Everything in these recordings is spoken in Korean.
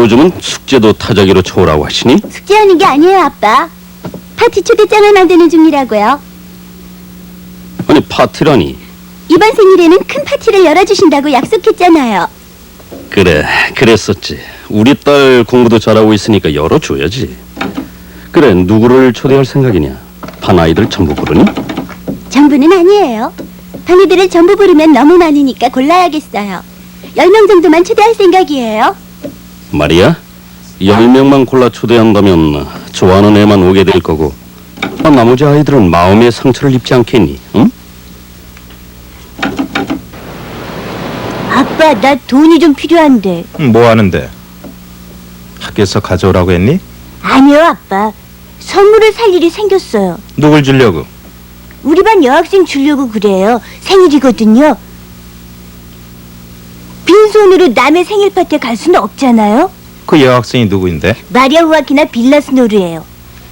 요즘은 숙제도 타자기로 쳐오라고 하시니? 숙제하는 게 아니에요, 아빠. 파티 초대장을 만드는 중이라고요. 아니, 파티라니. 이번 생일에는 큰 파티를 열어주신다고 약속했잖아요. 그래, 그랬었지. 우리 딸 공부도 잘하고 있으니까 열어줘야지. 그래, 누구를 초대할 생각이냐? 반 아이들 전부 부르니? 전부는 아니에요. 반 애들을 전부 부르면 너무 많으니까 골라야겠어요. 10명 정도만 초대할 생각이에요. 말이야, 10명만 골라 초대한다면 좋아하는 애만 오게 될 거고, 나머지 아이들은 마음의 상처를 입지 않겠니? 응? 아빠, 나 돈이 좀 필요한데. 뭐 하는데? 학교에서 가져오라고 했니? 아니요, 아빠. 선물을 살 일이 생겼어요. 누굴 주려고? 우리 반 여학생 주려고 그래요. 생일이거든요. 빈손으로 남의 생일 파티에 갈 수는 없잖아요. 그 여학생이 누구인데? 마리아 후아키나 빌라스노르예요.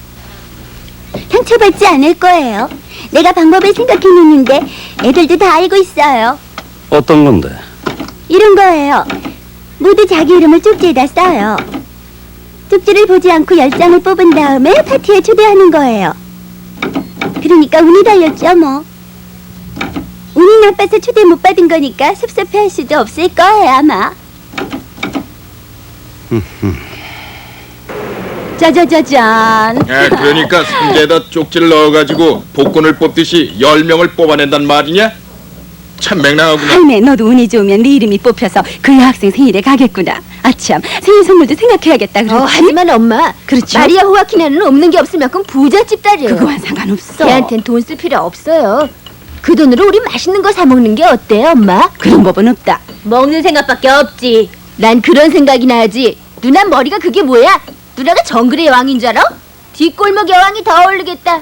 상처받지 않을 거예요. 내가 방법을 생각해놓는데 애들도 다 알고 있어요. 어떤 건데? 이런 거예요. 모두 자기 이름을 쪽지에다 써요. 쪽지를 보지 않고 10장을 뽑은 다음에 파티에 초대하는 거예요. 그러니까 운이 달렸죠, 뭐. 운이 나빠서 초대 못 받은 거니까 섭섭해할 수도 없을 거예요, 아마. 짜자자잔. 그러니까 상자에다 쪽지를 넣어가지고 복권을 뽑듯이 10명을 뽑아낸단 말이냐? 참 맹랑하구나. 할매, 너도 운이 좋으면 네 이름이 뽑혀서 그 여학생 생일에 가겠구나. 아참, 생일 선물도 생각해야겠다. 그렇지? 하지만 엄마, 그렇죠. 마리아 후아키나는 없는 게 없을 만큼 부잣집 딸이에요. 그거와 상관없어. 걔한텐 돈 쓸 필요 없어요. 그 돈으로 우리 맛있는 거 사 먹는 게 어때요, 엄마? 그런 법은 없다. 먹는 생각밖에 없지. 난 그런 생각이 나지. 누나 머리가 그게 뭐야? 누나가 정글의 여왕인 줄 알아? 뒷골목 여왕이 더 어울리겠다.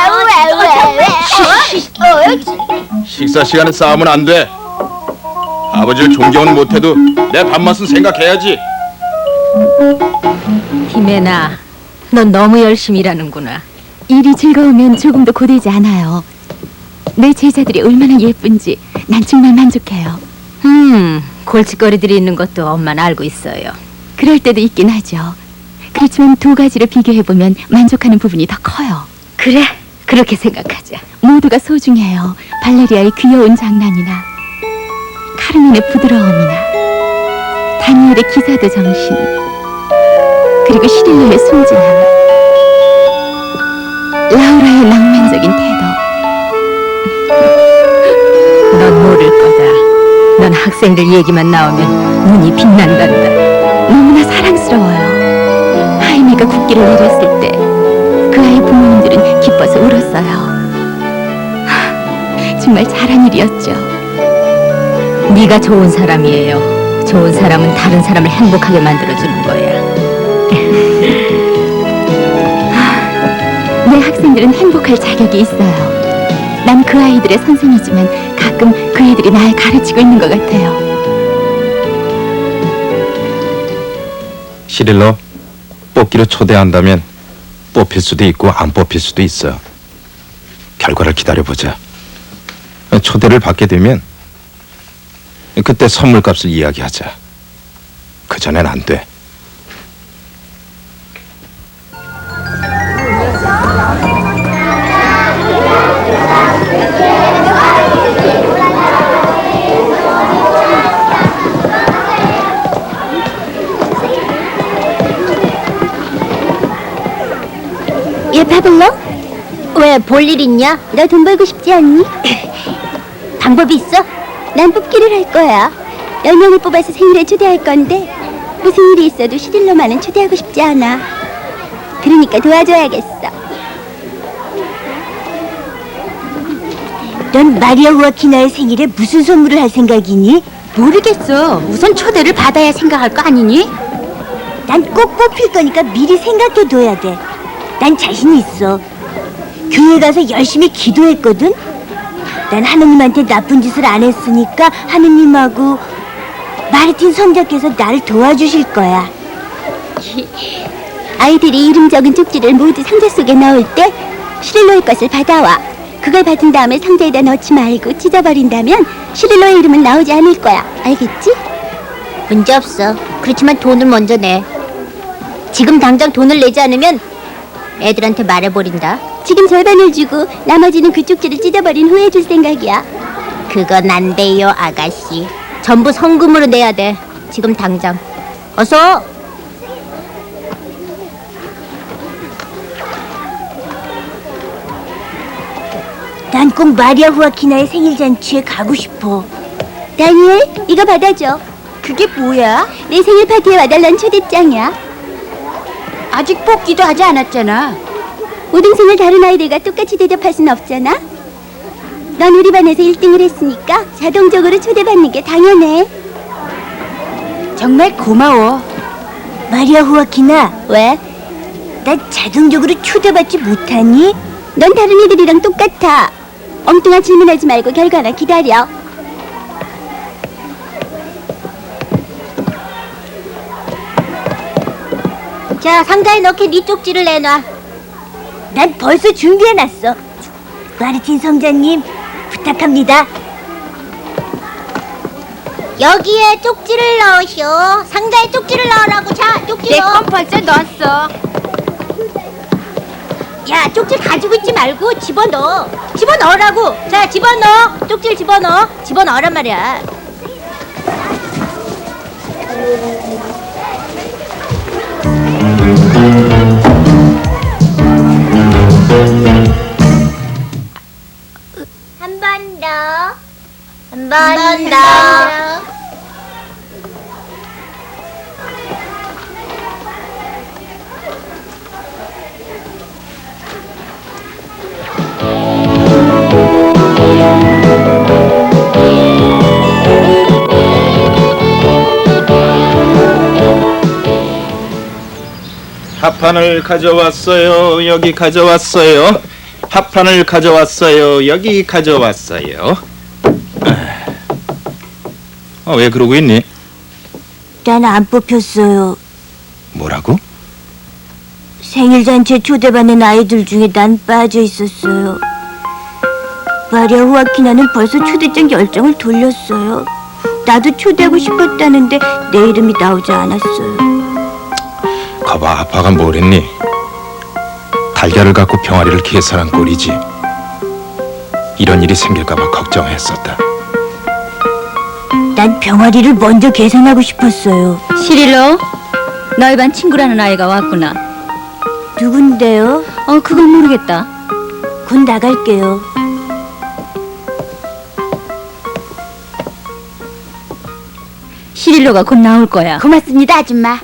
식사 시간에 싸우면 안 돼. 아버지를 존경은 못해도 내 밥맛은 생각해야지. 히메나, 넌 너무 열심히 일하는구나. 일이 즐거우면 조금도 고되지 않아요. 내 제자들이 얼마나 예쁜지 난 정말 만족해요. 골칫거리들이 있는 것도 엄마는 알고 있어요. 그럴 때도 있긴 하죠. 그렇지만 두 가지를 비교해보면 만족하는 부분이 더 커요. 그래, 그렇게 생각하자. 모두가 소중해요. 발레리아의 귀여운 장난이나 카르멘의 부드러움이나 다니엘의 기사도 정신, 그리고 시릴로의 순진함, 라우라의 낭만적인 태도. 넌 모를 거다. 넌 학생들 얘기만 나오면 눈이 빛난단다. 너무나 사랑스러워요. 하이미가 국기를 내렸을 때 그 아이 부모님들은 기뻐서 울었어요. 정말 잘한 일이었죠. 네가 좋은 사람이에요. 좋은 사람은 다른 사람을 행복하게 만들어주는 거야. 내 학생들은 행복할 자격이 있어요. 난 그 아이들의 선생이지만 가끔 그 애들이 날 가르치고 있는 것 같아요. 시릴로, 뽑기로 초대한다면 뽑힐 수도 있고 안 뽑힐 수도 있어. 결과를 기다려보자. 초대를 받게 되면 그때 선물값을 이야기하자. 그전엔 안 돼. 얘 파블로? 왜, 볼 일 있냐? 너 돈 벌고 싶지 않니? 방법이 있어? 난 뽑기를 할 거야. 10명을 뽑아서 생일에 초대할 건데 무슨 일이 있어도 시딜로만은 초대하고 싶지 않아. 그러니까 도와줘야겠어. 넌 마리아 후아키나의 생일에 무슨 선물을 할 생각이니? 모르겠어. 우선 초대를 받아야 생각할 거 아니니? 난 꼭 뽑힐 거니까 미리 생각해둬야 돼. 난 자신 있어. 교회 가서 열심히 기도했거든. 난 하느님한테 나쁜 짓을 안 했으니까 하느님하고 마르틴 성자께서 나를 도와주실 거야. 아이들이 이름 적은 쪽지를 모두 상자 속에 넣을 때 시릴로의 것을 받아와. 그걸 받은 다음에 상자에다 넣지 말고 찢어버린다면 시릴로의 이름은 나오지 않을 거야. 알겠지? 문제 없어. 그렇지만 돈을 먼저 내. 지금 당장 돈을 내지 않으면 애들한테 말해버린다. 지금 절반을 주고 나머지는 그 쪽지를 찢어버린 후에 줄 생각이야. 그건 안 돼요, 아가씨. 전부 성금으로 내야 돼. 지금 당장. 어서. 난 꼭 마리아 후아키나의 생일 잔치에 가고 싶어. 다니엘, 이거 받아줘. 그게 뭐야? 내 생일 파티에 와달란 초대장이야. 아직 뽑기도 하지 않았잖아. 우등생을 다른 아이들과 똑같이 대접할 순 없잖아. 넌 우리 반에서 1등을 했으니까 자동적으로 초대받는 게 당연해. 정말 고마워. 마리아 후아키나. 왜? 난 자동적으로 초대받지 못하니? 넌 다른 애들이랑 똑같아. 엉뚱한 질문하지 말고 결과나 기다려. 자, 상자에 넣게 네 쪽지를 내놔. 난 벌써 준비해놨어. 마르틴 성자님, 부탁합니다. 여기에 쪽지를 넣으시오. 상자에 쪽지를 넣으라고. 자, 쪽지 넣어. 내 건 벌써 넣었어. 야, 쪽지 가지고 있지 말고 집어넣어. 집어넣으라고. 자, 집어넣어. 쪽지를 집어넣어. 집어넣으란 말이야. 한 번 더. 한 번 더. 합판을 가져왔어요. 여기 가져왔어요. 합판을 가져왔어요. 여기 가져왔어요. 왜 그러고 있니? 난 안 뽑혔어요. 뭐라고? 생일 잔치에 초대받는 아이들 중에 난 빠져 있었어요. 마리아 후아키나는 벌써 초대장 결정을 돌렸어요. 나도 초대하고 싶었다는데 내 이름이 나오지 않았어요. 거봐, 아빠가 뭘 했니? 달걀을 갖고 병아리를 계산한 꼴이지. 이런 일이 생길까봐 걱정했었다. 난 병아리를 먼저 계산하고 싶었어요. 시릴로, 너희 반 친구라는 아이가 왔구나. 누군데요? 그건 모르겠다. 곧 나갈게요. 시릴로가 곧 나올 거야. 고맙습니다, 아줌마.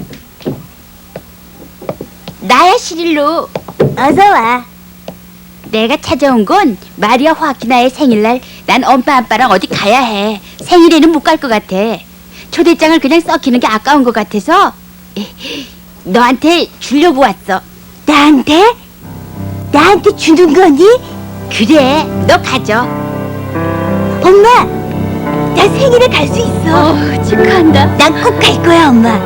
나야, 시릴로. 어서 와. 내가 찾아온 건 마리아 호아키나의 생일날 난 엄마 아빠랑 어디 가야 해. 생일에는 못 갈 것 같아. 초대장을 그냥 썩히는 게 아까운 것 같아서 너한테 주려고 왔어. 나한테? 나한테 주는 거니? 그래, 너 가져. 엄마, 나 생일에 갈 수 있어. 축하한다. 난 꼭 갈 거야, 엄마.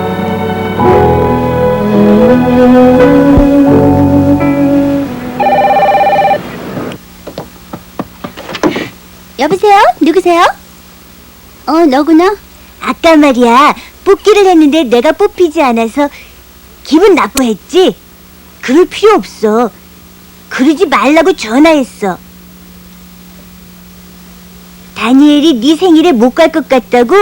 여보세요? 누구세요? 너구나. 아까 말이야, 뽑기를 했는데 내가 뽑히지 않아서 기분 나빠했지? 그럴 필요 없어. 그러지 말라고 전화했어. 다니엘이 네 생일에 못 갈 것 같다고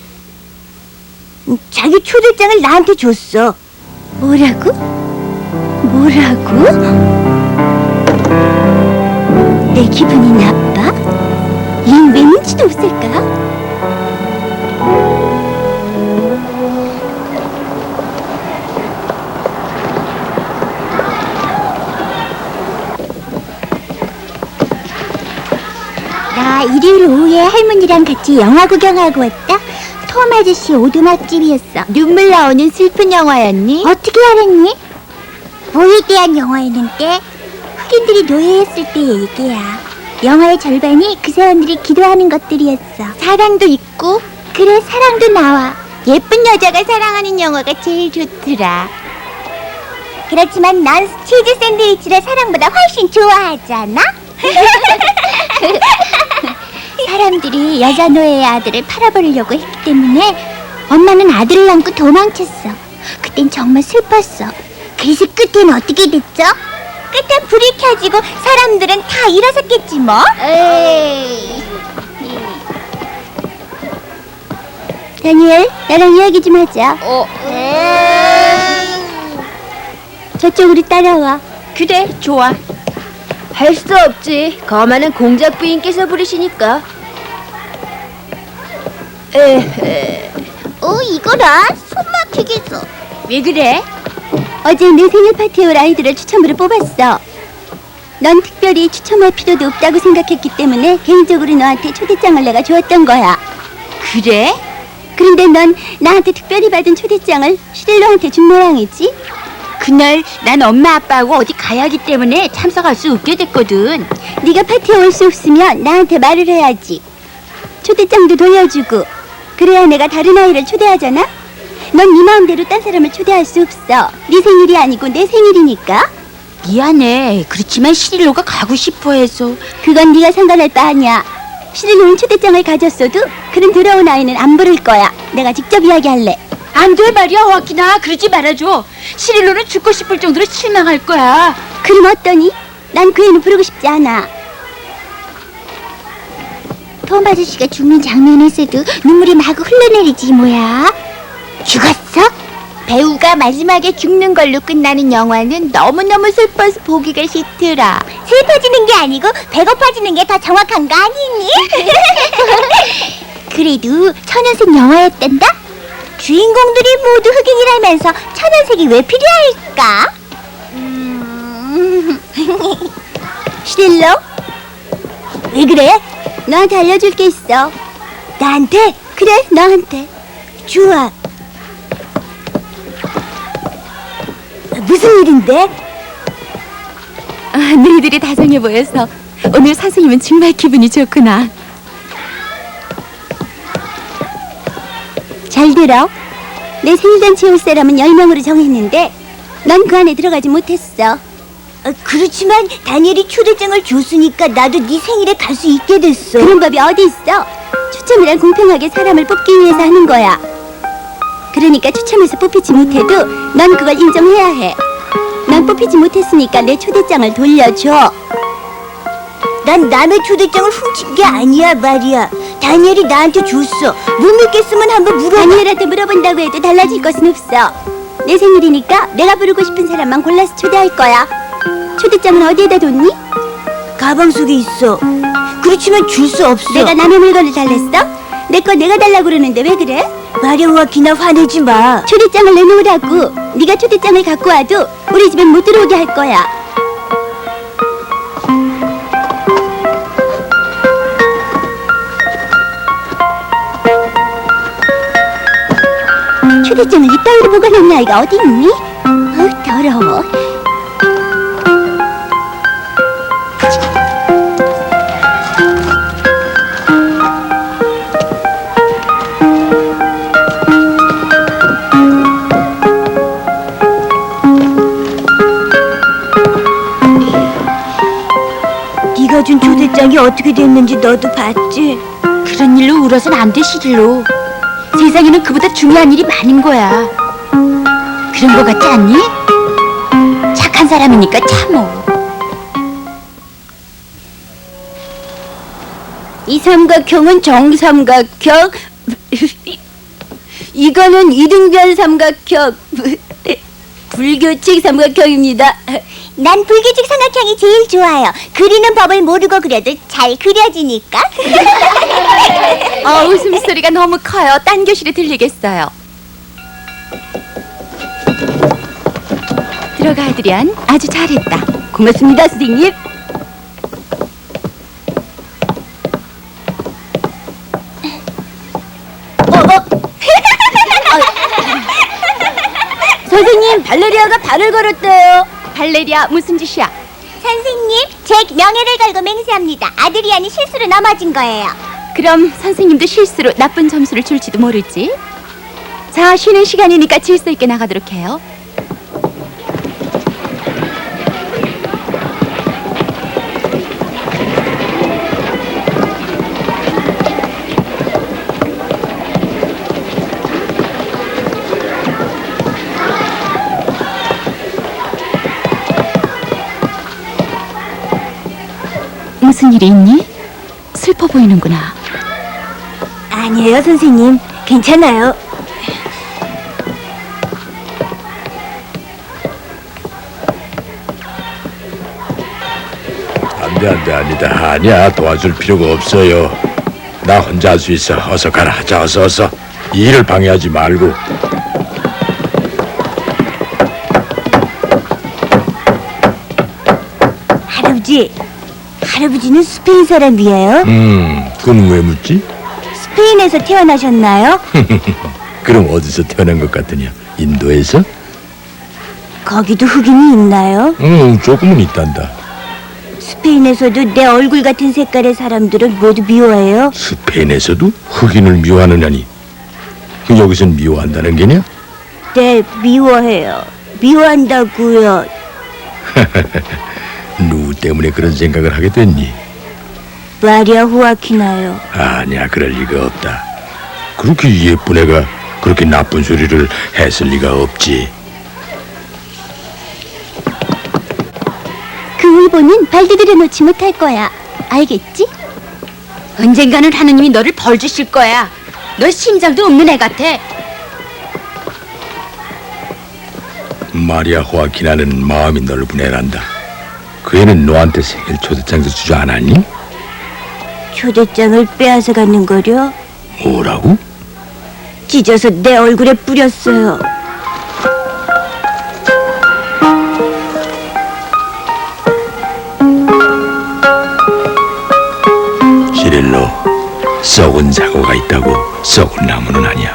자기 초대장을 나한테 줬어. 뭐라고? 내 기분이 나빠? 얜 왜 눈치도 없을까? 나 일요일 오후에 할머니랑 같이 영화 구경하고 왔다. 톰 아저씨 오두막집이었어. 눈물 나오는 슬픈 영화였니? 어떻게 알았니? 뭐에 대한 영화였는데? 흑인들이 노예였을 때 얘기야. 영화의 절반이 그 사람들이 기도하는 것들이었어. 사랑도 있고, 그래, 사랑도 나와. 예쁜 여자가 사랑하는 영화가 제일 좋더라. 그렇지만 난 치즈 샌드위치를 사랑보다 훨씬 좋아하잖아. 사람들이 여자 노예의 아들을 팔아버리려고 했기 때문에 엄마는 아들을 안고 도망쳤어. 그땐 정말 슬펐어. 그래서 끝엔 어떻게 됐죠? 끝엔 불이 켜지고 사람들은 다 일어섰겠지 뭐. 에이. 다니엘, 나랑 이야기 좀 하자. 저쪽으로 따라와. 그래, 좋아. 할 수 없지. 거만한 공작 부인께서 부르시니까. 이거라 손 막히겠어. 왜 그래? 어제 내 생일 파티에 올 아이들을 추첨으로 뽑았어. 넌 특별히 추첨할 필요도 없다고 생각했기 때문에 개인적으로 너한테 초대장을 내가 주었던 거야. 그래? 그런데 넌 나한테 특별히 받은 초대장을 슈릴로한테 준 모양이지? 그날 난 엄마 아빠하고 어디 가야 하기 때문에 참석할 수 없게 됐거든. 네가 파티에 올 수 없으면 나한테 말을 해야지. 초대장도 돌려주고. 그래야 내가 다른 아이를 초대하잖아? 넌 네 마음대로 딴 사람을 초대할 수 없어. 네 생일이 아니고 내 생일이니까. 미안해. 그렇지만 시릴로가 가고 싶어 해서. 그건 네가 상관할 바 아니야. 슈릴로는 초대장을 가졌어도 그런 더러운 아이는 안 부를 거야. 내가 직접 이야기할래. 안 돼 말이야, 와키나. 그러지 말아줘. 시릴로는 죽고 싶을 정도로 실망할 거야. 그럼 어떠니? 난 그 애는 부르고 싶지 않아. 톰 아저씨가 죽는 장면에서도 눈물이 마구 흘러내리지 뭐야. 죽었어? 배우가 마지막에 죽는 걸로 끝나는 영화는 너무너무 슬퍼서 보기가 싫더라. 슬퍼지는 게 아니고 배고파지는 게 더 정확한 거 아니니? 그래도 천연색 영화였단다? 주인공들이 모두 흑인이라면서 천연색이 왜 필요할까? 슈릴로? 왜 그래? 너한테 알려줄 게 있어. 나한테? 그래, 너한테. 좋아. 무슨 일인데? 너희들이 다정해 보여서 오늘 선생님은 정말 기분이 좋구나. 잘 들어. 내 생일잔치에 올 사람은 10명으로 정했는데 넌 그 안에 들어가지 못했어. 그렇지만 다니엘이 초대장을 줬으니까 나도 네 생일에 갈 수 있게 됐어. 그런 법이 어디 있어? 추첨이란 공평하게 사람을 뽑기 위해서 하는 거야. 그러니까 추첨해서 뽑히지 못해도 넌 그걸 인정해야 해. 난 뽑히지 못했으니까 내 초대장을 돌려줘. 난 남의 초대장을 훔친 게 아니야 말이야. 다니엘이 나한테 줬어. 못 믿겠으면 한번 물어봐. 다니엘한테 물어본다고 해도 달라질 것은 없어. 내 생일이니까 내가 부르고 싶은 사람만 골라서 초대할 거야. 초대장은 어디에다 뒀니? 가방 속에 있어. 그렇지만 줄 수 없어. 내가 남의 물건을 달랬어? 내 거 내가 달라고 그러는데 왜 그래? 마려워, 기나 화내지 마. 초대장을 내놓으라고. 네가 초대장을 갖고 와도 우리 집엔 못 들어오게 할 거야. 초대장을 이따위로 보관하는 아이가 어디 있니? 더러워. 네가 준 초대장이 어떻게 됐는지 너도 봤지? 그런 일로 울어선 안 돼, 시릴로. 세상에는 그보다 중요한 일이 많은 거야. 그런 거 같지 않니? 착한 사람이니까 참어. 이 삼각형은 정삼각형. 이거는 이등변 삼각형. 불규칙 삼각형입니다. 난 불규칙 삼각형이 제일 좋아요. 그리는 법을 모르고 그려도 잘 그려지니까. 웃음소리가 너무 커요. 딴 교실에 들리겠어요. 들어가, 아드리안. 아주 잘했다. 고맙습니다, 선생님. 선생님, 발레리아가 발을 걸었대요. 발레리아, 무슨 짓이야? 선생님, 제 명예를 걸고 맹세합니다. 아드리안이 실수로 넘어진 거예요. 그럼 선생님도 실수로 나쁜 점수를 줄지도 모르지. 자, 쉬는 시간이니까 질서 있게 나가도록 해요. 일이 있니? 슬퍼 보이는구나. 아니에요, 선생님. 괜찮아요. 안돼 아니다 아니야 도와줄 필요가 없어요. 나 혼자 할 수 있어. 어서 가라. 자 어서 이 일을 방해하지 말고. 할아버지는 스페인 사람이에요? 그건 왜 묻지? 스페인에서 태어나셨나요? 그럼 어디서 태어난 것 같으냐? 인도에서? 거기도 흑인이 있나요? 조금은 있단다. 스페인에서도 내 얼굴 같은 색깔의 사람들을 모두 미워해요? 스페인에서도 흑인을 미워하느냐니. 여기선 미워한다는 게냐? 네, 미워해요. 미워한다고요. 누구 때문에 그런 생각을 하게 됐니? 마리아 호아키나요. 아니야 그럴 리가 없다. 그렇게 예쁜 애가 그렇게 나쁜 소리를 했을 리가 없지. 그 울보는 발디디려 놓지 못할 거야. 알겠지? 언젠가는 하느님이 너를 벌 주실 거야. 너 심장도 없는 애 같아. 마리아 호아키나는 마음이 넓은 애란다. 그 애는 너한테 생일 초대장도 주지 않았니? 초대장을 빼앗아 가는 거려? 뭐라고? 찢어서 내 얼굴에 뿌렸어요. 시릴로, 썩은 사고가 있다고 썩은 나무는 아니야.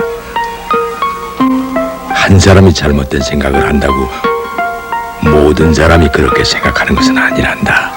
한 사람이 잘못된 생각을 한다고 모든 사람이 그렇게 생각하는 것은 아니란다.